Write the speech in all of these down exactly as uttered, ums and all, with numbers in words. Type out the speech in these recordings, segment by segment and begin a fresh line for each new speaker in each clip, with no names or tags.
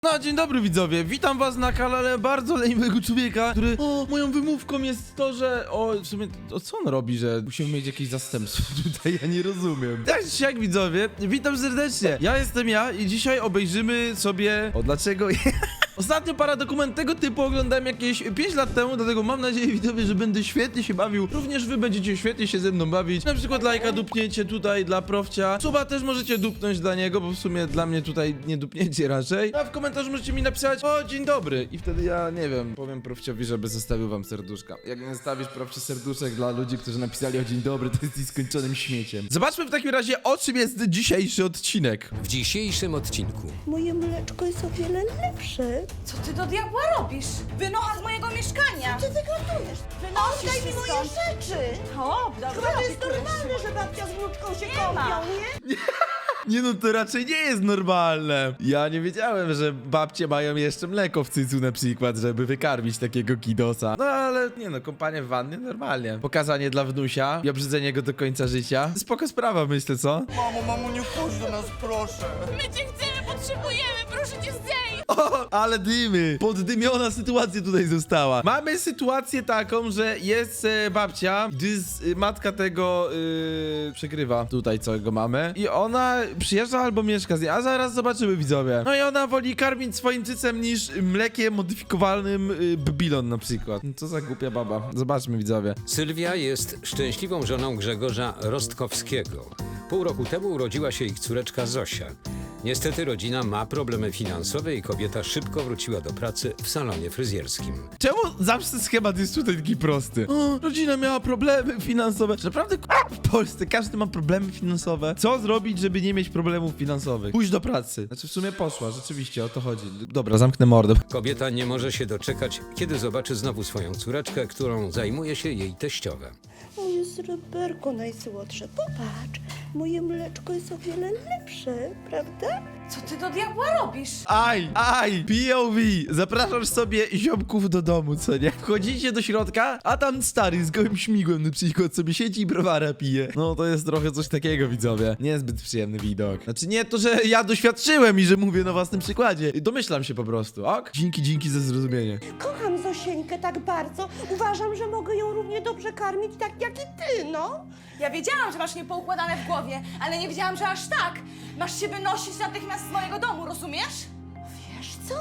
No, dzień dobry widzowie, witam was na kanale bardzo leniwego człowieka, który... O, moją wymówką jest to, że... O, w sumie, o co on robi, że musimy mieć jakieś zastępstwo tutaj, ja nie rozumiem. Tak czy siak widzowie, witam serdecznie, ja jestem ja i dzisiaj obejrzymy sobie... O, dlaczego... Ostatnio paradokument tego typu oglądałem jakieś pięć lat temu, dlatego mam nadzieję widzowie, że będę świetnie się bawił. Również wy będziecie świetnie się ze mną bawić. Na przykład lajka dupniecie tutaj dla Profcia. Suba też możecie dupnąć dla niego, bo w sumie dla mnie tutaj nie dupniecie raczej. A w komentarzu możecie mi napisać: o, dzień dobry. I wtedy ja, nie wiem, powiem Profciowi, żeby zostawił wam serduszka. Jak nie zostawisz Profcie serduszek dla ludzi, którzy napisali o dzień dobry, to jest nieskończonym śmieciem. Zobaczmy w takim razie, o czym jest dzisiejszy odcinek.
W dzisiejszym odcinku
Moje mleczko jest o wiele lepsze.
Co ty do diabła robisz? Wynocha z mojego mieszkania!
Ty wyglądujesz.
Wynosisz
Oddaj
się
mi moje
stąd.
rzeczy.
O, dobra,
Chyba to jest
opiekuję się.
normalne, że babcia z wnuczką się
Nie
kąpią,
ma.
nie?
Nie no, to raczej nie jest normalne. Ja nie wiedziałem, że babcie mają jeszcze mleko w cycu na przykład, żeby wykarmić takiego kidosa. No ale nie no, kąpanie w wannie normalnie. Pokazanie dla wnusia i obrzydzenie go do końca życia. Spoko sprawa, myślę, co?
Mamo, mamo, nie chodź do nas, proszę.
My cię chcemy, potrzebujemy, proszę cię zdejmij!
O, ale dymy! Poddymiona sytuacja tutaj została. Mamy sytuację taką, że jest e, babcia, gdy z, e, matka tego e, przegrywa tutaj, co go mamy. I ona przyjeżdża albo mieszka z niej, a zaraz zobaczymy widzowie. No i ona woli karmić swoim cycem niż mlekiem modyfikowanym e, Babylon na przykład. No co za głupia baba. Zobaczmy widzowie.
Sylwia jest szczęśliwą żoną Grzegorza Rostkowskiego. Pół roku temu urodziła się ich córeczka Zosia. Niestety rodzina ma problemy finansowe i kobieta szybko wróciła do pracy w salonie fryzjerskim.
Czemu zawsze schemat jest tutaj taki prosty? O, rodzina miała problemy finansowe. Czy naprawdę k***a, w Polsce każdy ma problemy finansowe? Co zrobić, żeby nie mieć problemów finansowych? Pójść do pracy. Znaczy w sumie poszła, rzeczywiście o to chodzi. Dobra, zamknę mordę.
Kobieta nie może się doczekać, kiedy zobaczy znowu swoją córeczkę, którą zajmuje się jej teściowe.
Moje sreberko najsłodsze. Popatrz, moje mleczko jest o wiele lepsze, prawda?
Co ty do diabła robisz?
Aj, aj, P O V. Zapraszasz sobie ziomków do domu, co nie? Wchodzicie do środka, a tam stary z gołym śmigłem na przykład sobie siedzi i browara pije. No to jest trochę coś takiego, widzowie. Niezbyt przyjemny widok. Znaczy nie to, że ja doświadczyłem i że mówię na własnym przykładzie. Domyślam się po prostu, ok? Dzięki, dzięki za zrozumienie.
Kocham Zosieńkę tak bardzo. Uważam, że mogę ją równie dobrze karmić tak jak i ty, no.
Ja wiedziałam, że masz niepoukładane w głowie, ale nie wiedziałam, że aż tak. Masz się wynosić natychmiast z mojego domu, rozumiesz?
Wiesz co?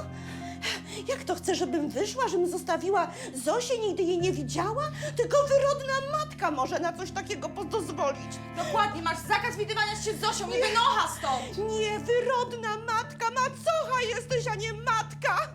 Jak to chcę, żebym wyszła, żebym zostawiła Zosię, nigdy jej nie widziała? Tylko wyrodna matka może na coś takiego pozwolić.
Dokładnie, masz zakaz widywania się z Zosią, nie wynocha stąd!
Nie, wyrodna matka, macocha jesteś, a nie matka!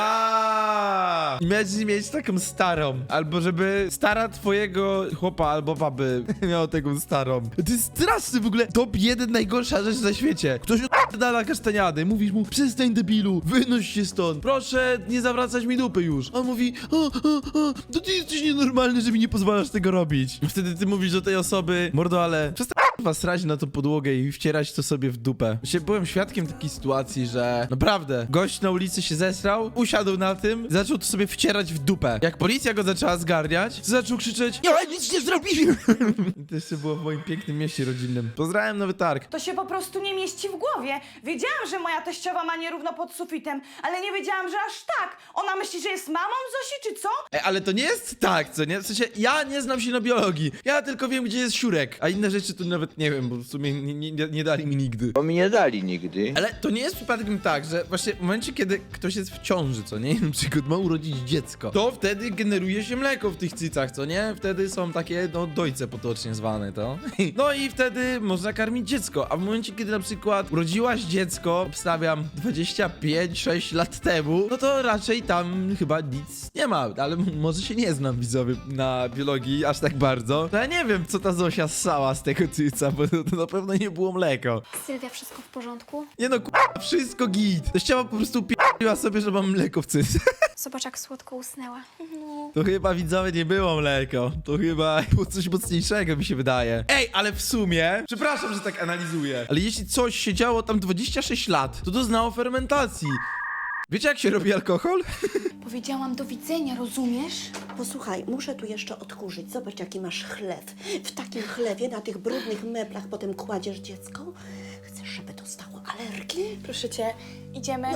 Ja! Miałeś mieć taką starą. Albo żeby stara twojego chłopa albo baby miała taką starą. To jest straszny w ogóle. Top jeden najgorsza rzecz na świecie. Ktoś dala kasztaniady. Mówisz mu: przestań debilu, wynoś się stąd. Proszę nie zawracać mi dupy już. On mówi: o, o, o, to ty jesteś nienormalny, że mi nie pozwalasz tego robić. I wtedy ty mówisz do tej osoby: mordo, ale przestań was srać na tą podłogę i wcierać to sobie w dupę. Właśnie byłem świadkiem takiej sytuacji, że naprawdę gość na ulicy się zesrał, usiadł na tym, zaczął to sobie wcierać w dupę. Jak policja go zaczęła zgarniać, to zaczął krzyczeć: ja nic nie zrobiłem! I to jeszcze było w moim pięknym mieście rodzinnym. Pozdrawiam Nowy Targ.
To się po prostu nie mieści w głowie. Wiedziałam, że moja teściowa ma nierówno pod sufitem, ale nie wiedziałam, że aż tak. Ona myśli, że jest mamą Zosi, czy co?
Ej, ale to nie jest tak, co nie? W sensie, ja nie znam się na biologii. Ja tylko wiem, gdzie jest siurek. A inne rzeczy to nawet nie wiem, bo w sumie nie, nie, nie dali mi nigdy.
Bo mi nie dali nigdy.
Ale to nie jest przypadkiem tak, że właśnie w momencie, kiedy ktoś jest w ciąży, co nie? Na przykład ma urodzić dziecko, to wtedy generuje się mleko w tych cycach, co nie? Wtedy są takie, no, dojce potocznie zwane, to. No i wtedy można karmić dziecko, a w momencie, kiedy na przykład urodziłaś dziecko, obstawiam dwadzieścia pięć sześć lat temu, no to raczej tam chyba nic nie ma, ale m- może się nie znam, widzowie, na biologii aż tak bardzo. No ja nie wiem, co ta Zosia ssała z tego cyca, bo to na pewno nie było mleko.
Sylwia, wszystko w porządku?
Nie no, k***a, wszystko git. Teściowa po prostu p***iła sobie, że mam mleko w cyce.
Zobacz, jak słodko usnęła.
To chyba, widzowie, nie było mleko. To chyba było coś mocniejszego, mi się wydaje. Ej, ale w sumie, przepraszam, że tak analizuję, ale jeśli coś się działo tam dwadzieścia sześć lat, to doznało fermentacji. Wiecie, jak się robi alkohol?
Powiedziałam do widzenia, rozumiesz?
Posłuchaj, muszę tu jeszcze odkurzyć. Zobacz, jaki masz chlew. W takim chlewie, na tych brudnych meblach potem kładziesz dziecko? Chcesz, żeby dostało alergii?
Proszę cię, idziemy.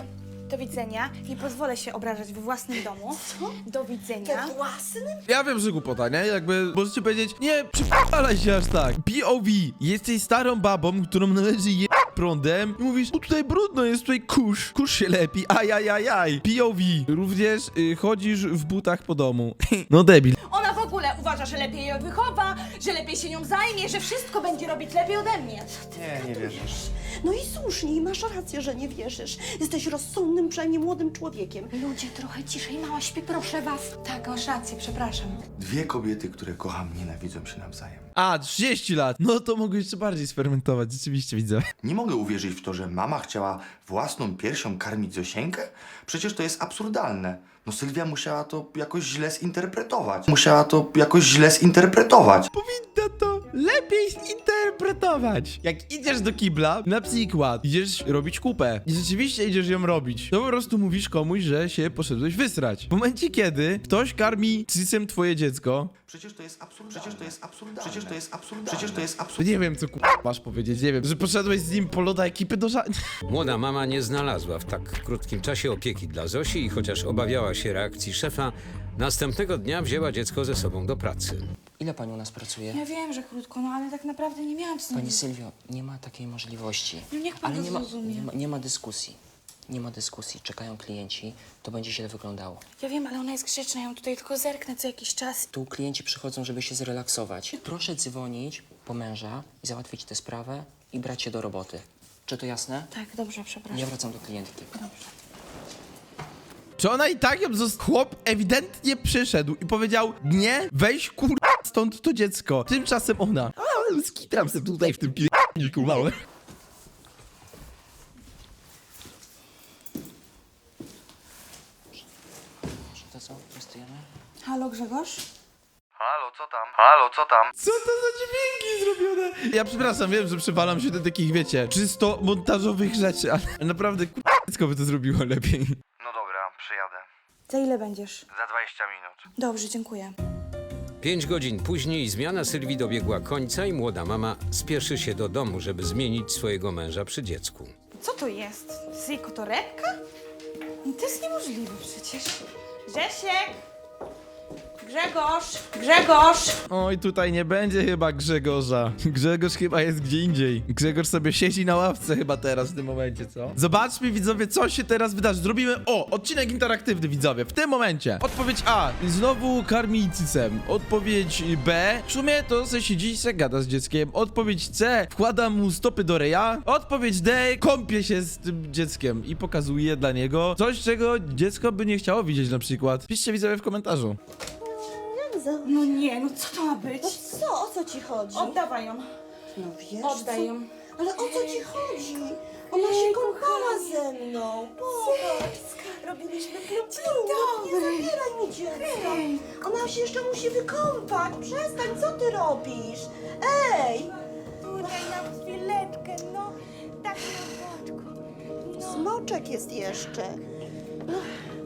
Do widzenia. Nie pozwolę się obrażać we własnym domu.
Co?
Do widzenia.
We własnym?
Ja wiem, że głupota, nie? Jakby możecie powiedzieć, nie, przypalaj się aż tak. P O V, jesteś starą babą, którą należy je prądem i mówisz, o tutaj brudno, jest tutaj kurz, kurz się lepi, ajajajaj. P O V, również y, chodzisz w butach po domu. No debil.
Ona w ogóle uważa, że lepiej ją wychowa, że lepiej się nią zajmie, że wszystko będzie robić lepiej ode mnie.
Nie, nie wierzę.
No i słusznie, i masz rację, że nie wierzysz. Jesteś rozsądnym, przynajmniej młodym człowiekiem.
Ludzie, trochę ciszej, mała śpi, proszę was.
Tak, masz rację, przepraszam.
Dwie kobiety, które kocham, nienawidzą się nawzajem.
A, trzydzieści lat. No to mogę jeszcze bardziej sfermentować, rzeczywiście widzę.
Nie mogę uwierzyć w to, że mama chciała własną piersią karmić Zosieńkę? Przecież to jest absurdalne. No Sylwia musiała to jakoś źle zinterpretować. Musiała to jakoś źle zinterpretować.
Powinna to lepiej zinterpretować. Jak idziesz do kibla, na przykład idziesz robić kupę i rzeczywiście idziesz ją robić, to po prostu mówisz komuś, że się poszedłeś wysrać. W momencie, kiedy ktoś karmi cycem twoje dziecko,
Przecież to jest absurdalne. Przecież to jest absurdalne. Przecież to jest absurdalne. Przecież to jest
to
absurdalne.
nie wiem, co ku... masz powiedzieć, nie wiem, że poszedłeś z nim po loda ekipy do ża...
Młoda mama nie znalazła w tak krótkim czasie opieki dla Zosi i chociaż obawiała się reakcji szefa, następnego dnia wzięła dziecko ze sobą do pracy.
Ile pani u nas pracuje?
Ja wiem, że krótko, no ale tak naprawdę nie miałam co
Pani Sylwio, nie ma takiej możliwości.
No niech pan
Ale
to
nie ma,
zrozumie.
nie, ma, nie ma dyskusji. Nie ma dyskusji. Czekają klienci. To będzie źle wyglądało.
Ja wiem, ale ona jest grzeczna, ja ją tutaj tylko zerknę co jakiś czas.
Tu klienci przychodzą, żeby się zrelaksować. Proszę dzwonić po męża i załatwić tę sprawę i brać się do roboty. Czy to jasne?
Tak, dobrze, przepraszam.
Ja wracam do klientki.
Czy ona i tak ją zost... Chłop ewidentnie przyszedł i powiedział, nie, weź kur... stąd to dziecko. Tymczasem ona, a, skitram sobie tutaj w tym pi***niku małe.
Czy to co? Testujemy?
Halo, Grzegorz?
Halo, co tam? Halo, co tam?
Co to za dźwięki zrobione? Ja przepraszam, wiem, że przywalam się do takich, wiecie, czysto montażowych rzeczy, ale naprawdę kur... dziecko by to zrobiło lepiej.
No dobra, przyjadę.
Za ile będziesz?
Za dwadzieścia minut.
Dobrze, dziękuję.
Pięć godzin później zmiana Sylwii dobiegła końca i młoda mama spieszy się do domu, żeby zmienić swojego męża przy dziecku.
Co to jest? To jest jej torebka? No to jest niemożliwe przecież. Grzesiek! Grzegorz! Grzegorz!
Oj, tutaj nie będzie chyba Grzegorza. Grzegorz chyba jest gdzie indziej. Grzegorz sobie siedzi na ławce chyba teraz w tym momencie, co? Zobaczmy, widzowie, co się teraz wydarzy. Zrobimy, o, odcinek interaktywny, widzowie, w tym momencie. Odpowiedź A, znowu karmi cycem. Odpowiedź B, w sumie to se siedzi i se gada z dzieckiem. Odpowiedź C, wkłada mu stopy do ryja. Odpowiedź D, kąpie się z tym dzieckiem i pokazuje dla niego coś, czego dziecko by nie chciało widzieć na przykład. Piszcie, widzowie, w komentarzu.
Jak za...
No nie, no co to ma być?
No co, o co ci chodzi?
Oddawaj ją.
No wiesz
Oddaj
co?
ją.
Ale o co ci chodzi? Ona się kąpała ze mną. Popatrz. Robiliśmy klub. Nie zabieraj mi dziecka. Ona się jeszcze musi wykąpać. Przestań, co ty robisz? Ej!
Daj nam chwileczkę, no. Tak na boczku.
Smoczek jest jeszcze. No,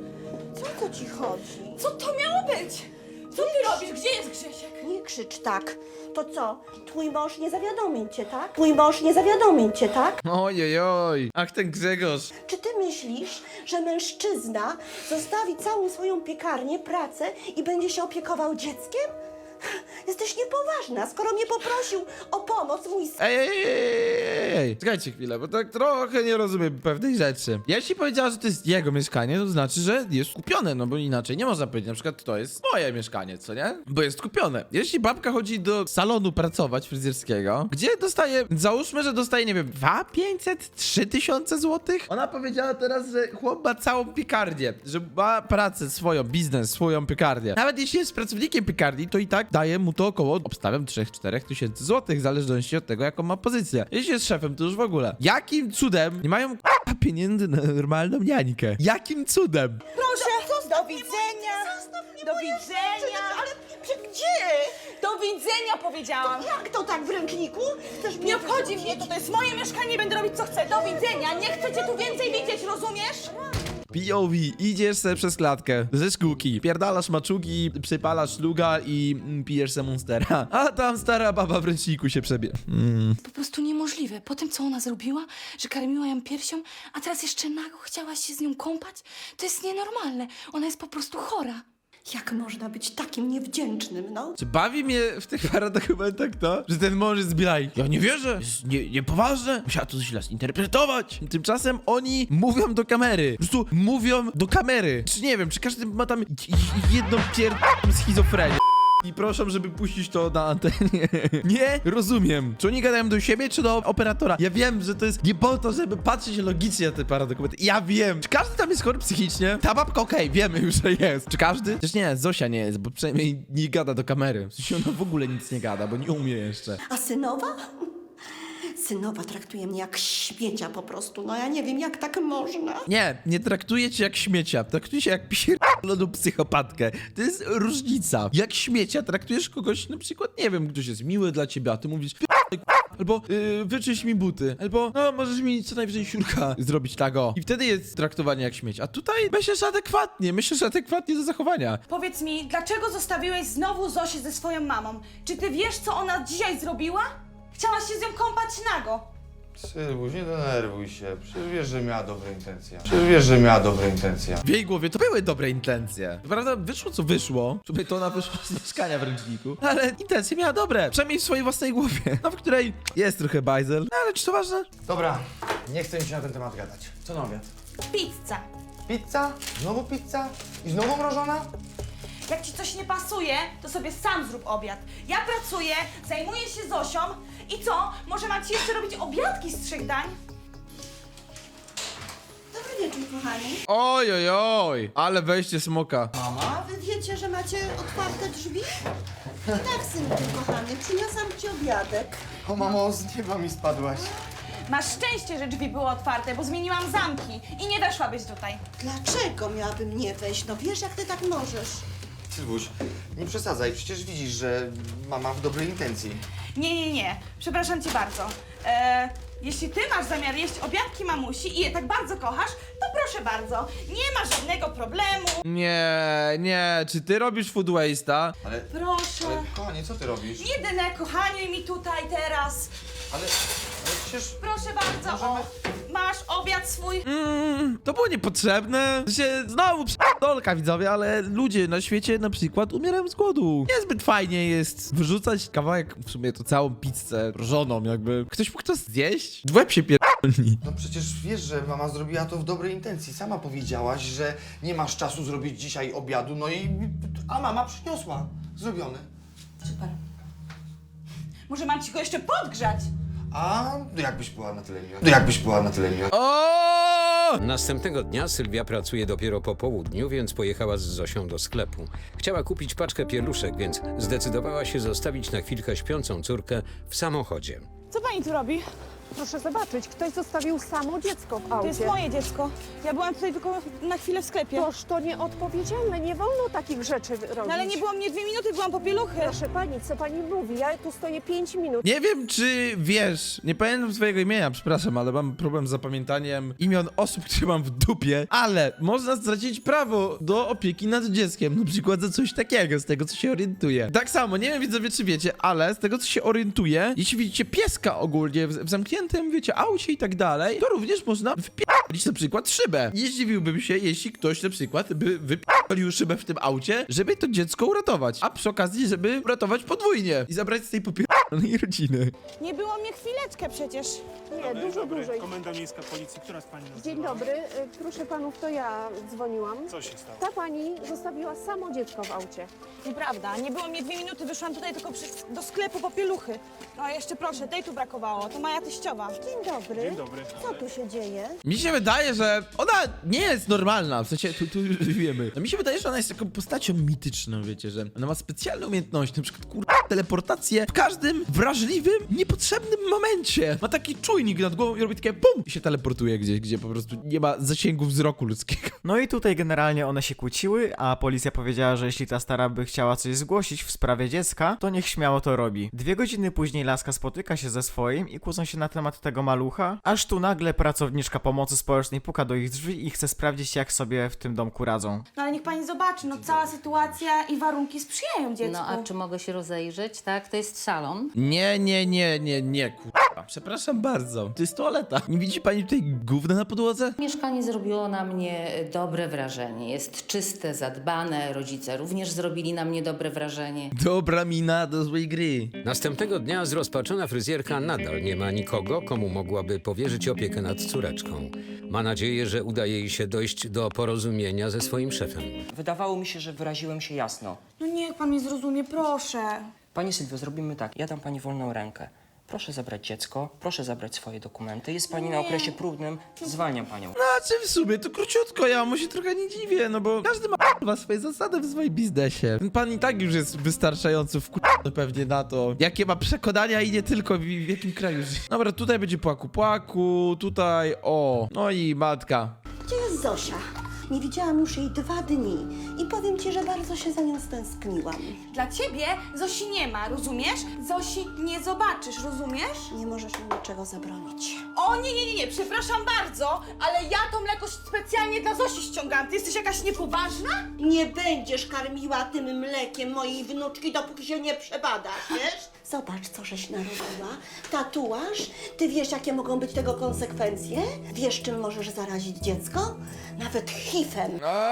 co o co ci chodzi?
Co to miało być? Co ty robisz? Gdzie jest Grzesiek?
Nie krzycz tak. To co? Twój mąż nie zawiadomił cię, tak? Twój mąż nie zawiadomił cię, tak?
Ojojoj, ach ten Grzegorz.
Czy ty myślisz, że mężczyzna zostawi całą swoją piekarnię, pracę i będzie się opiekował dzieckiem? Jesteś niepoważna, skoro mnie poprosił o pomoc mój syn.
Ej, ej, ej, ej, ej, czekajcie chwilę, bo tak trochę nie rozumiem pewnej rzeczy. Jeśli powiedziała, że to jest jego mieszkanie, to znaczy, że jest kupione, no bo inaczej nie można powiedzieć, na przykład to jest moje mieszkanie, co nie? Bo jest kupione. Jeśli babka chodzi do salonu pracować fryzjerskiego, gdzie dostaje, załóżmy, że dostaje, nie wiem, dwa pięćset, trzy tysiące złotych? Ona powiedziała teraz, że chłop ma całą piekarnię, że ma pracę swoją, biznes, swoją piekarnię. Nawet jeśli jest pracownikiem piekarni, to i tak daje mu to około, obstawiam, trzy cztery tysięcy złotych, w zależności od tego, jaką ma pozycję. Jeśli jest szefem, to już w ogóle. Jakim cudem nie mają k***a pieniędzy na normalną niańkę? Jakim cudem?
Proszę, do widzenia. Do widzenia.
Ale przy- gdzie?
Do widzenia powiedziałam.
Jak to tak w ręczniku? Chcesz mnie
Nie obchodzi
wyrzucić?
mnie, to, to jest moje mieszkanie, będę robić co chcę. Do widzenia, nie chcę cię tu więcej widzieć, rozumiesz?
P O V, idziesz se przez klatkę ze szkółki, pierdalasz maczugi, przypalasz szluga i mm, pijesz se monstera. A tam stara baba w ręczniku się przebie. Mm.
Po prostu niemożliwe. Po tym, co ona zrobiła, że karmiła ją piersią, a teraz jeszcze nago chciałaś się z nią kąpać? To jest nienormalne. Ona jest po prostu chora.
Jak można być takim niewdzięcznym, no?
Czy bawi mnie w tych paradokumentach to, że ten mąż jest bilaj? Ja nie wierzę, jest nie, niepoważne, musiała to źle zinterpretować. Tymczasem oni mówią do kamery, po prostu mówią do kamery. Czy nie wiem, czy każdy ma tam j- j- jedną pierdolą schizofrenię. I proszę, żeby puścić to na antenie. Nie rozumiem. Czy oni gadają do siebie, czy do operatora? Ja wiem, że to jest nie po to, żeby patrzeć logicznie na te paradokumenty. Ja wiem. Czy każdy tam jest chory psychicznie? Ta babka okej, wiemy już, że jest. Czy każdy? Przecież nie, Zosia nie jest, bo przynajmniej nie gada do kamery. W sensie ona w ogóle nic nie gada, bo nie umie jeszcze.
A synowa? Synowa traktuje mnie jak śmiecia po prostu. No ja nie wiem, jak tak można.
Nie, nie traktuję cię jak śmiecia. Traktuję cię jak pierdoloną psychopatkę. To jest różnica. Jak śmiecia traktujesz kogoś, na przykład, nie wiem, ktoś jest miły dla ciebie, a ty mówisz "Pierdolę, k***a", albo yy, wyczyść mi buty, albo no, możesz mi co najwyżej siurka zrobić tego. I wtedy jest traktowanie jak śmieć. A tutaj myślisz adekwatnie, myślisz adekwatnie do zachowania.
Powiedz mi, dlaczego zostawiłeś znowu Zosię ze swoją mamą? Czy ty wiesz, co ona dzisiaj zrobiła? Chciałaś się z nią kąpać nago.
Sylwuś, nie denerwuj się. Przecież wiesz, że miała dobre intencje. Przecież wiesz, że miała dobre intencje.
W jej głowie to były dobre intencje. Prawda, wyszło co wyszło. Sobie to ona wyszła z mieszkania w ręczniku. Ale intencje miała dobre. Przynajmniej w swojej własnej głowie. No, w której jest trochę bajzel. No, ale czy to ważne?
Dobra, nie chcę mi się na ten temat gadać. Co na obiad?
Pizza.
Pizza? Znowu pizza? I znowu mrożona?
Jak ci coś nie pasuje, to sobie sam zrób obiad. Ja pracuję, zajmuję się Zosią i co? Może mam ci jeszcze robić obiadki z trzech dań?
Dobry wieczór, kochani.
Oj, oj, oj. Ale wejście smoka.
A wy wiecie, że macie otwarte drzwi? Tak, synku kochany, przyniosłam ci obiadek.
O mamo, z nieba mi spadłaś.
Masz szczęście, że drzwi były otwarte, bo zmieniłam zamki i nie weszłabyś tutaj.
Dlaczego miałabym nie wejść? No wiesz, jak ty tak możesz.
Sylwuś, nie przesadzaj, przecież widzisz, że mama w dobrej intencji.
Nie, nie, nie. Przepraszam cię bardzo. E, jeśli ty masz zamiar jeść obiadki mamusi i je tak bardzo kochasz, to proszę bardzo. Nie ma żadnego problemu.
Nie, nie. Czy ty robisz food waste'a?
Ale,
Proszę.
ale kochanie, co ty robisz?
Nie denerkochaniuj mi tutaj teraz.
Ale, ale przecież...
Proszę bardzo. O, masz obiad swój.
Mm, to było niepotrzebne. W sensie, znowu dolka widzowie, ale ludzie na świecie na przykład umierają z głodu. Niezbyt fajnie jest wyrzucać kawałek, w sumie to całą pizzę żoną jakby. Ktoś mógł to zjeść? W łeb się pierdolni.
No przecież wiesz, że mama zrobiła to w dobrej intencji. Sama powiedziałaś, że nie masz czasu zrobić dzisiaj obiadu, no i... A mama przyniosła. Zrobione.
Super. Może mam ci go jeszcze podgrzać?
A no jakbyś była na tyle miła. No jakbyś była na tyle miła.
O!
Następnego dnia Sylwia pracuje dopiero po południu, więc pojechała z Zosią do sklepu. Chciała kupić paczkę pieluszek, więc zdecydowała się zostawić na chwilkę śpiącą córkę w samochodzie.
Co pani tu robi?
Proszę zobaczyć, ktoś zostawił samo dziecko w
To
aucie.
jest moje dziecko. Ja byłam tutaj tylko na chwilę w sklepie.
Toż to nieodpowiedzialne, nie wolno takich rzeczy robić.
No ale nie było mnie dwie minuty, byłam po pieluchy.
Proszę pani, co pani mówi? Ja tu stoję pięć minut.
Nie wiem, czy wiesz, nie pamiętam swojego imienia, przepraszam, ale mam problem z zapamiętaniem imion osób, które mam w dupie, ale można stracić prawo do opieki nad dzieckiem, na przykład za coś takiego, z tego, co się orientuje. Tak samo, nie wiem, widzowie, czy wiecie, ale z tego, co się orientuję, jeśli widzicie pieska ogólnie w, w zamkniętym, wiecie, aucie i tak dalej, to również można wpierdolić na przykład szybę. Nie zdziwiłbym się, jeśli ktoś na przykład by wypierdolił szybę w tym aucie, żeby to dziecko uratować, a przy okazji, żeby uratować podwójnie i zabrać z tej popierdolonej rodziny.
Nie było mnie chwileczkę przecież.
Nie, dużo dłużej.
Komenda Miejska Policji, która z pani nazywa?
Dzień dobry, y, proszę panów, to ja dzwoniłam.
Co się stało?
Ta pani zostawiła samo dziecko w aucie.
Nieprawda, nie było mnie dwie minuty, wyszłam tutaj tylko przy, do sklepu po pieluchy. No jeszcze proszę, tej tu brakowało, to moja teściowa.
Dzień dobry.
Dzień dobry.
Co tu się dzieje?
Mi się wydaje, że ona nie jest normalna, w sensie, tu, tu już wiemy. No mi się wydaje, że ona jest taką postacią mityczną, wiecie, że ona ma specjalne umiejętności, na przykład, kurwa, teleportację w każdym wrażliwym, niepotrzebnym momencie. Ma taki czujnik nad głową i robi takie pum i się teleportuje gdzieś, gdzie po prostu nie ma zasięgu wzroku ludzkiego.
No i tutaj generalnie one się kłóciły, a policja powiedziała, że jeśli ta stara by chciała coś zgłosić w sprawie dziecka, to niech śmiało to robi. Dwie godziny później laska spotyka się ze swoim i kłócą się na temat tego malucha, aż tu nagle pracowniczka pomocy społecznej puka do ich drzwi i chce sprawdzić, jak sobie w tym domku radzą.
No ale niech pani zobaczy, no cała sytuacja i warunki sprzyjają dziecku.
No a czy mogę się rozejrzeć? Tak, to jest salon.
Nie, nie, nie, nie, nie, kurwa. Przepraszam bardzo. To jest toaleta. Nie widzi pani tutaj gówna na podłodze?
Mieszkanie zrobiło na mnie dobre wrażenie. Jest czyste, zadbane, rodzice również zrobili na mnie dobre wrażenie.
Dobra mina do złej gry.
Następnego dnia zrozpaczona fryzjerka nadal nie ma nikogo, komu mogłaby powierzyć opiekę nad córeczką. Ma nadzieję, że uda jej się dojść do porozumienia ze swoim szefem.
Wydawało mi się, że wyraziłem się jasno.
No niech pan mnie zrozumie, proszę.
Pani Sylwio, zrobimy tak. Ja dam pani wolną rękę. Proszę zabrać dziecko, proszę zabrać swoje dokumenty. Jest pani na okresie próbnym, zwalniam panią.
Znaczy w sumie to króciutko, ja mu się trochę nie dziwię, no bo każdy ma k***wa swoje zasady w swoim biznesie. Ten pan i tak już jest wystarczająco wkurwiony pewnie na to, jakie ma przekonania i nie tylko w, w jakim kraju żyje. Dobra, tutaj będzie płaku płaku, tutaj o, no i matka.
Gdzie jest Zosia? Nie widziałam już jej dwa dni i powiem ci, że bardzo się za nią stęskniłam.
Dla ciebie Zosi nie ma, rozumiesz? Zosi nie zobaczysz, rozumiesz?
Nie możesz mi niczego zabronić.
O nie, nie, nie, nie, przepraszam bardzo, ale ja to mleko specjalnie dla Zosi ściągam. Ty jesteś jakaś niepoważna?
Nie będziesz karmiła tym mlekiem mojej wnuczki, dopóki się nie przebadasz, wiesz? Zobacz, co żeś narobiła. Tatuaż? Ty wiesz, jakie mogą być tego konsekwencje? Wiesz, czym możesz zarazić dziecko? Nawet H I V-em.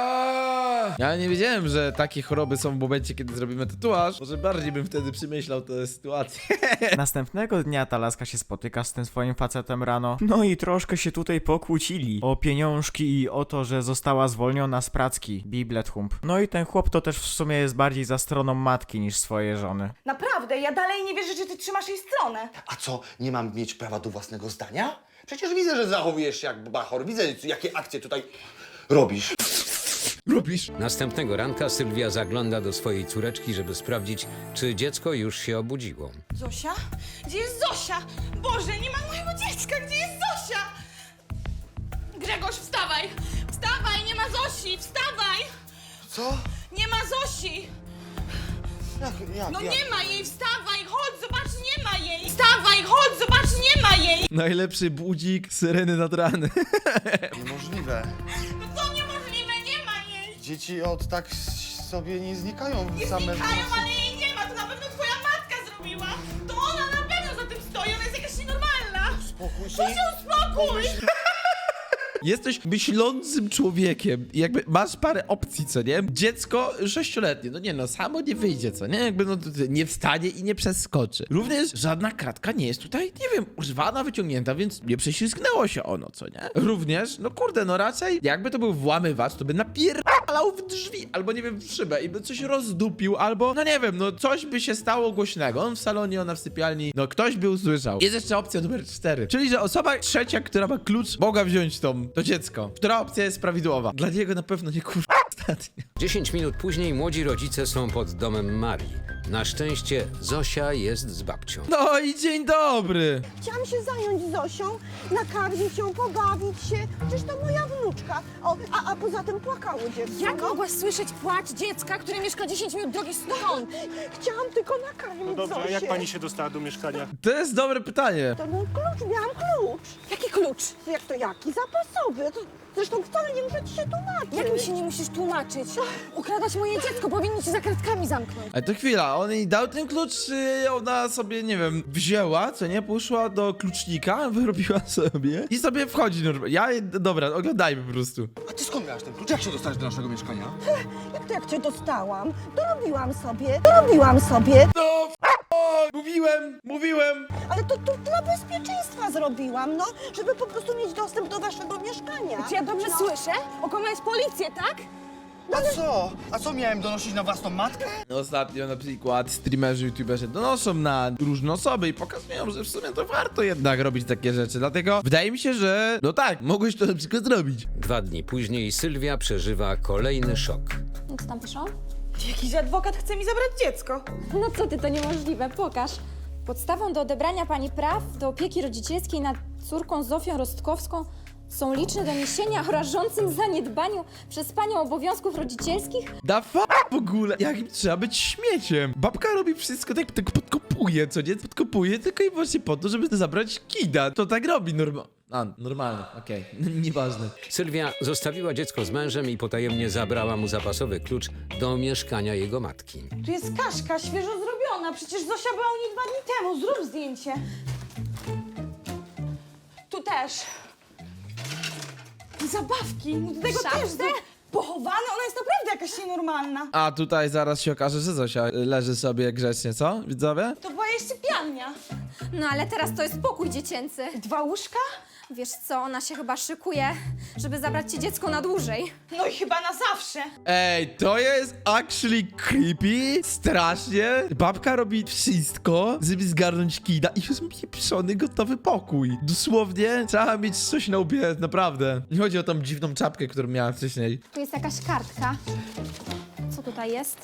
Ja nie wiedziałem, że takie choroby są w momencie, kiedy zrobimy tatuaż. Może bardziej bym wtedy przemyślał tę sytuację.
Następnego dnia ta laska się spotyka z tym swoim facetem rano. No i troszkę się tutaj pokłócili. O pieniążki i o to, że została zwolniona z pracki. Biblet hump. No i ten chłop to też w sumie jest bardziej za stroną matki niż swojej żony.
Naprawdę, ja dalej nie wierzę, że ty trzymasz jej stronę.
A co, nie mam mieć prawa do własnego zdania? Przecież widzę, że zachowujesz się jak bachor. Widzę, jakie akcje tutaj robisz.
Robisz?
Następnego ranka Sylwia zagląda do swojej córeczki, żeby sprawdzić, czy dziecko już się obudziło.
Zosia? Gdzie jest Zosia? Boże, nie ma mojego dziecka, gdzie jest Zosia? Grzegorz, wstawaj! Wstawaj, nie ma Zosi, wstawaj!
Co?
Nie ma Zosi!
Jak, jak,
No
jak?
nie ma jej, wstawaj, chodź, zobacz, nie ma jej! Wstawaj, chodź, zobacz, nie ma jej!
Najlepszy budzik, syreny nad rany.
Niemożliwe.
No co niemożliwe, nie ma jej!
Dzieci od tak sobie nie znikają
Nie
same.
znikają, ale jej nie ma, to na pewno twoja matka zrobiła! To ona na pewno za tym stoi, ona jest jakaś nienormalna!
Spokój się.
Co się uspokój!
Jesteś myślącym człowiekiem i jakby masz parę opcji, co nie? Dziecko sześcioletnie, no nie no, samo nie wyjdzie, co nie? Jakby no to nie wstanie i nie przeskoczy. Również żadna kratka nie jest tutaj, nie wiem, używana, wyciągnięta, więc nie prześlizgnęło się ono, co nie? Również, no kurde, no raczej jakby to był włamywacz, to by napierdalał w drzwi, albo nie wiem, w szybę i by coś rozdupił, albo no nie wiem, no coś by się stało głośnego. On w salonie, ona w sypialni, no ktoś by usłyszał. Jest jeszcze opcja numer cztery, czyli że osoba trzecia, która ma klucz, mogła wziąć tą to dziecko. Która opcja jest prawidłowa? Dla niego na pewno nie kurwa ostatnio.
Dziesięć minut później młodzi rodzice są pod domem Marii. Na szczęście Zosia jest z babcią.
No i dzień dobry.
Chciałam się zająć Zosią, nakarmić ją, pobawić się. Przecież to moja wnuczka. O, a, a poza tym płakało dziecko.
Jak
no.
mogłaś słyszeć płacz dziecka, które mieszka dziesięć minut drogi stąd?
Chciałam tylko nakarmić
No dobrze, a
Zosię.
jak pani się dostała do mieszkania?
To jest dobre pytanie.
To był klucz, miałam klucz.
Jaki klucz?
Jak to jaki? Zapasowy. To, zresztą wcale nie muszę ci się tłumaczyć.
Jak mi się nie musisz tłumaczyć? Ukradasz moje dziecko, powinni cię za kratkami zamknąć.
Ale to chwila, on jej dał ten klucz, czy ona sobie, nie wiem, wzięła, co nie? Poszła do klucznika, wyrobiła sobie i sobie wchodzi normalnie. Ja, dobra, oglądajmy po prostu.
A ty skąd miałaś ten klucz? Jak się dostałeś do naszego mieszkania?
Jak to jak cię dostałam? Dorobiłam sobie, dorobiłam sobie.
No, f***o, mówiłem, mówiłem.
Ale to, to dla bezpieczeństwa zrobiłam, no. Żeby po prostu mieć dostęp do waszego mieszkania.
Czy ja dobrze
no.
słyszę? Okłamałeś policję, tak?
A co? A co miałem donosić na własną matkę?
Ostatnio na przykład streamerzy, youtuberzy donoszą na różne osoby i pokazują, że w sumie to warto jednak robić takie rzeczy. Dlatego wydaje mi się, że no tak, mogłeś to na przykład zrobić.
Dwa dni później Sylwia przeżywa kolejny szok.
Co tam piszą?
Jakiś adwokat chce mi zabrać dziecko.
No co ty, to niemożliwe, pokaż. Podstawą do odebrania pani praw do opieki rodzicielskiej nad córką Zofią Rostkowską są liczne doniesienia o rażącym zaniedbaniu przez panią obowiązków rodzicielskich.
Da f w ogóle, jakim trzeba być śmieciem. Babka robi wszystko tak, tak podkopuje, co nie? Podkopuje tylko i właśnie po to, żeby zabrać kida. To tak robi normal. A, normalnie, okej, nieważne.
Sylwia zostawiła dziecko z mężem i potajemnie zabrała mu zapasowy klucz do mieszkania jego matki.
Tu jest kaszka, świeżo zrobiona. Przecież Zosia była u niej dwa dni temu. Zrób zdjęcie. Tu też. Zabawki. No do tego
Szafce?
też. zrób. Pochowane? Ona jest naprawdę jakaś nienormalna.
A tutaj zaraz się okaże, że Zosia leży sobie grzecznie, co? Widzowie?
To była jej sypialnia.
No ale teraz to jest pokój dziecięcy.
Dwa łóżka?
Wiesz co, ona się chyba szykuje, żeby zabrać ci dziecko na dłużej.
No i chyba na zawsze.
Ej, to jest actually creepy, strasznie. Babka robi wszystko, żeby zgarnąć kida i jest pieprzony, gotowy pokój. Dosłownie trzeba mieć coś na łbie, naprawdę. Nie chodzi o tą dziwną czapkę, którą miała wcześniej.
Tu jest jakaś kartka. Co tutaj jest?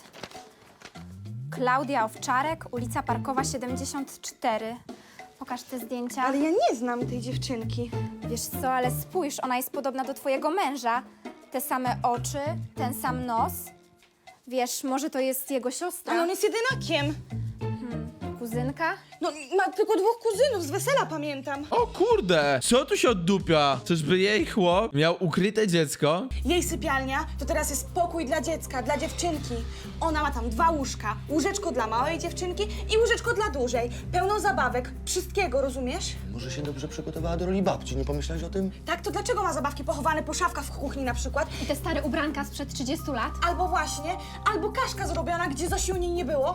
Klaudia Owczarek, ulica Parkowa siedemdziesiąt cztery. Pokaż te zdjęcia.
Ale ja nie znam tej dziewczynki.
Wiesz co, ale spójrz, ona jest podobna do twojego męża. Te same oczy, ten sam nos. Wiesz, może to jest jego siostra?
Ale on jest jedynakiem.
Kuzynka?
No, ma tylko dwóch kuzynów z wesela, pamiętam.
O kurde, co tu się oddupia? Czyżby jej chłop miał ukryte dziecko?
Jej sypialnia to teraz jest pokój dla dziecka, dla dziewczynki. Ona ma tam dwa łóżka. Łóżeczko dla małej dziewczynki i łóżeczko dla dużej. Pełno zabawek, wszystkiego, rozumiesz?
Może się dobrze przygotowała do roli babci, nie pomyślałeś o tym?
Tak, to dlaczego ma zabawki pochowane po szafkach w kuchni na przykład?
I te stare ubranka sprzed trzydziestu lat?
Albo właśnie, albo kaszka zrobiona, gdzie Zosi u niej nie było.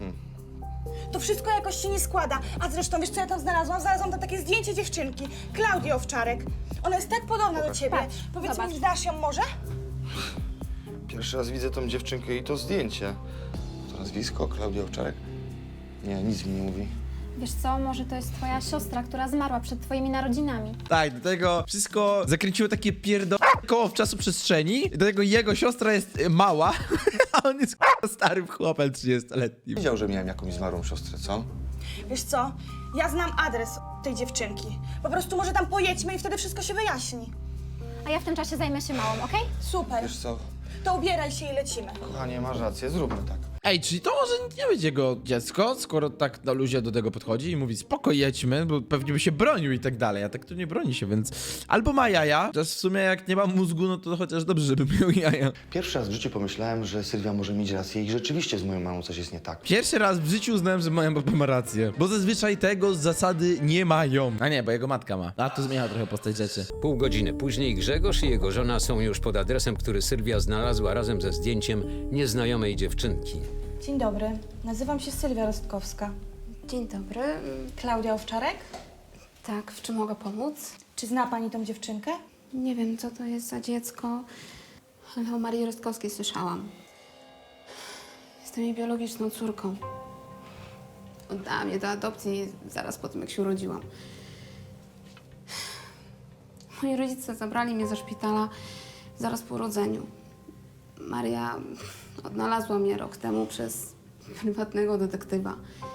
To wszystko jakoś się nie składa. A zresztą, wiesz co ja tam znalazłam? Znalazłam tam takie zdjęcie dziewczynki, Klaudii Owczarek. Ona jest tak podobna do ciebie.
Patrz,
Powiedz
zobacz.
mi, znasz ją może?
Pierwszy raz widzę tą dziewczynkę i to zdjęcie. To nazwisko, Klaudia Owczarek? Nie, nic mi nie mówi.
Wiesz co, może to jest twoja siostra, która zmarła przed twoimi narodzinami.
Tak, do tego wszystko zakręciło takie pierdo... koło w czasoprzestrzeni. Do tego jego siostra jest y, mała, a on jest k***a starym chłopem trzydziestoletnim.
Wiedział, że miałem jakąś zmarłą siostrę, co?
Wiesz co, ja znam adres tej dziewczynki. Po prostu może tam pojedźmy i wtedy wszystko się wyjaśni.
A ja w tym czasie zajmę się małą, okej?
Super.
Wiesz co,
To ubieraj się i lecimy.
kochanie, masz rację, zróbmy tak.
Ej, czyli to może nie być jego dziecko, skoro tak na luzie do tego podchodzi i mówi spoko, jedźmy, bo pewnie by się bronił i tak dalej, a tak to nie broni się, więc albo ma jaja, chociaż w sumie jak nie ma mózgu, no to chociaż dobrze, żeby miał jaja.
Pierwszy raz w życiu pomyślałem, że Sylwia może mieć rację i rzeczywiście z moją mamą coś jest nie tak.
Pierwszy raz w życiu uznałem, że moja baba ma rację, bo zazwyczaj tego z zasady nie mają. A nie, bo jego matka ma. A to zmienia trochę postać rzeczy.
Pół godziny później Grzegorz i jego żona są już pod adresem, który Sylwia znalazła razem ze zdjęciem nieznajomej dziewczynki.
Dzień dobry, nazywam się Sylwia Rostkowska.
Dzień dobry.
Klaudia Owczarek?
Tak, w czym mogę pomóc?
Czy zna pani tą dziewczynkę?
Nie wiem, co to jest za dziecko, ale o Marii Rostkowskiej słyszałam. Jestem jej biologiczną córką. Oddała mnie do adopcji zaraz po tym, jak się urodziłam. Moi rodzice zabrali mnie ze szpitala zaraz po urodzeniu. Maria odnalazła mnie rok temu przez prywatnego detektywa.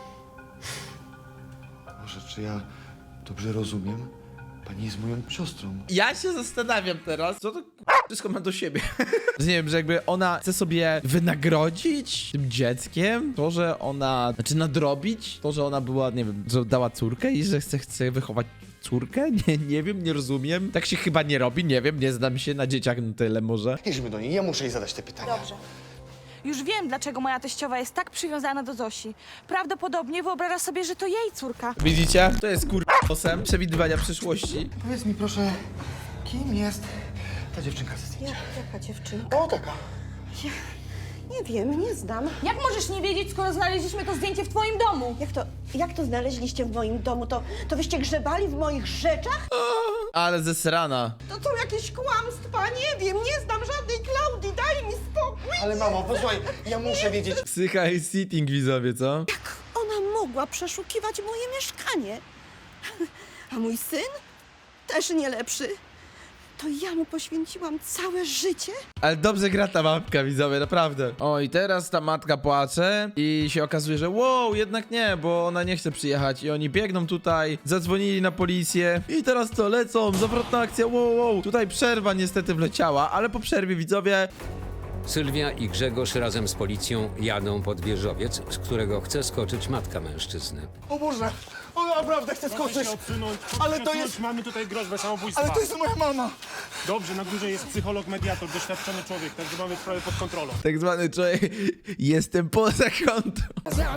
Może czy ja dobrze rozumiem? Pani jest moją siostrą.
Ja się zastanawiam teraz, co to k***a, wszystko ma do siebie. Że nie wiem, że jakby ona chce sobie wynagrodzić tym dzieckiem to, że ona, znaczy nadrobić to, że ona była, nie wiem, że dała córkę i że chce, chce wychować córkę? Nie, nie wiem, nie rozumiem. Tak się chyba nie robi, nie wiem, nie znam się na dzieciach na tyle może.
Jedźmy do niej, ja muszę jej zadać te pytania.
Dobrze. Już wiem, dlaczego moja teściowa jest tak przywiązana do Zosi. Prawdopodobnie wyobraża sobie, że to jej córka.
Widzicie? To jest kurwa przewidywania przyszłości.
Powiedz mi proszę, kim jest ta dziewczynka ze zdjęcia?
Jaka dziewczynka?
O, taka.
Nie wiem, nie znam.
Jak możesz nie wiedzieć, skoro znaleźliśmy to zdjęcie w twoim domu?
Jak to, jak to znaleźliście w moim domu? To, to wyście grzebali w moich rzeczach?
Ale zesrana.
To są jakieś kłamstwa, nie wiem, nie znam żadnej Klaudii, daj mi spokój.
Ale mamo, posłuchaj, ja muszę wiedzieć.
Psycha i sitting, widzowie, co?
Ona mogła przeszukiwać moje mieszkanie. A mój syn? Też nie lepszy. To ja mu poświęciłam całe życie?
Ale dobrze gra ta matka, widzowie, naprawdę. O, i teraz ta matka płacze i się okazuje, że wow, jednak nie, bo ona nie chce przyjechać i oni biegną tutaj, zadzwonili na policję i teraz to lecą, zawrotna akcja, wow, wow. Tutaj przerwa niestety wleciała, ale po przerwie, widzowie,
Sylwia i Grzegorz razem z policją jadą pod wieżowiec, z którego chce skoczyć matka mężczyzny.
O Boże, on naprawdę chce
Proszę
skoczyć.
się odsunąć, proszę
Ale
się
to
odsunąć.
jest-
Mamy tutaj groźbę samobójstwa.
Ale to jest moja mama.
Dobrze, na górze jest psycholog, mediator, doświadczony człowiek, także mamy sprawę pod kontrolą.
tak zwany człowiek, jestem poza kontrolą.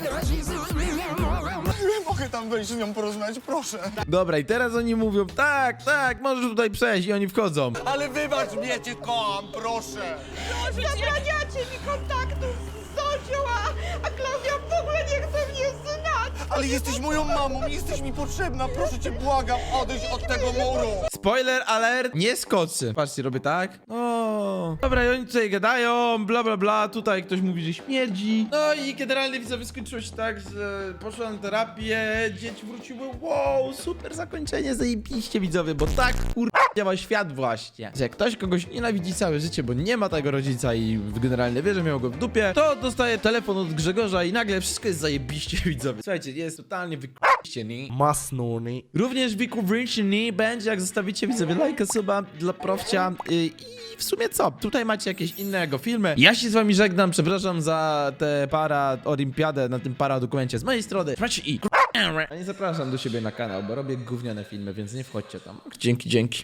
Mogę tam wejść z nią porozmawiać, proszę.
Dobra, i teraz oni mówią, tak, tak, możesz tutaj przejść i oni wchodzą.
Ale wybacz mnie, cię kocham, proszę.
Zabraniacie mi kontaktu z Zosią, a, a Klaudia w ogóle nie chce mnie znać!
Ale jesteś moją mamą, jesteś mi potrzebna, proszę cię, błagam, odejdź od tego muru.
Spoiler alert, nie skoczy. Patrzcie, robię tak. O, dobra, i oni tutaj gadają, bla bla bla, tutaj ktoś mówi, że śmierdzi. No i generalnie widzowie skończyło się tak, że poszła na terapię, dzieci wróciły, wow, super zakończenie, zajebiście widzowie, bo tak kur... działa świat właśnie. Że jak ktoś kogoś nienawidzi całe życie, bo nie ma tego rodzica i generalnie wie, że miał go w dupie, to dostaje telefon od Grzegorza i nagle wszystko jest zajebiście widzowie. Słuchajcie, jest totalnie wykurwiście.
Masnuni.
Również wykurwiście będzie, jak zostawicie widzowie lajka, suba dla profcia yy, i w sumie co? Tutaj macie jakieś innego filmy. Ja się z wami żegnam, przepraszam za tę para olimpiadę na tym para dokumencie z mojej strony. Trzymajcie i a nie zapraszam do siebie na kanał, bo robię gówniane filmy, więc nie wchodźcie tam. Dzięki, dzięki.